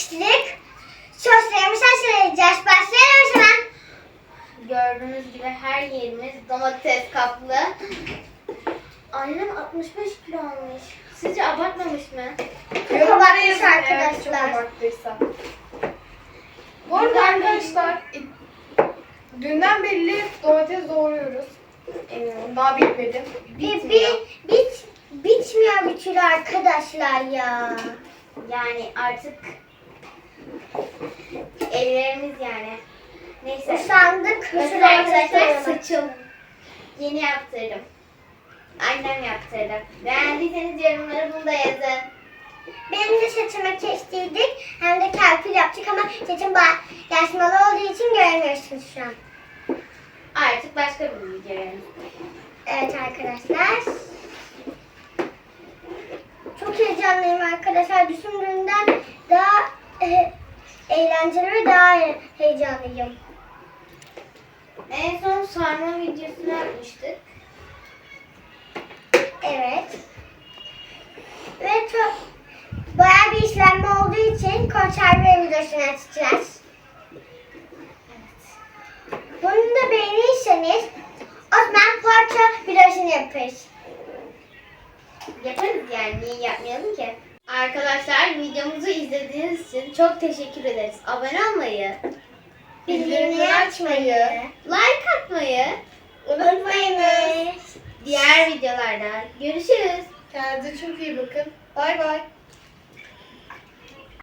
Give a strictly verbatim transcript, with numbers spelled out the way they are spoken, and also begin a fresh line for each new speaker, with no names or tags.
atıştırdık. Soslarımızı hazırlayacağız. Başlayalım hemen.
Gördüğünüz gibi her yerimiz domates kaplı. Annem altmış beş kilo almış. Sizce abartmamış mı?
Çok abartmış arkadaşlar.
Çok abarttıysa. Bu arada arkadaşlar dünden belli domates doğruyoruz. Eminim. Daha bitmedi.
Bir, bir, bit, bitmiyor bir türlü arkadaşlar ya.
Yani artık ellerimiz yani. Neyse.
Usandık.
Mesela arkadaşlar saçım yeni yaptırdım. Annem yaptırdı. Beğendiyseniz yorumlara bunu da yazın.
Benim de saçımı kestirdik. Hem de kalkül yaptık ama saçım yaşmalı olduğu için göremiyorsunuz şu an.
Artık başka bir video yani.
Evet arkadaşlar. Çok heyecanlıyım arkadaşlar. Düşündüğümden daha e, eğlenceli ve daha he- heyecanlıyım.
En son sarma videosunu yapmıştık.
Evet. Ve çok bayağı bir işlenme olduğu için konserve videosunu açacağız. Bunu da beğenirseniz o zaman poğaça videosunu yaparız.
Yaparız yani, niye yapmayalım ki? Arkadaşlar videomuzu izlediğiniz için çok teşekkür ederiz. Abone olmayı,
Bildirimleri açmayı
like atmayı,
unutmayınız.
diğer videolarda görüşürüz.
Kendinize çok iyi bakın. Bay bay.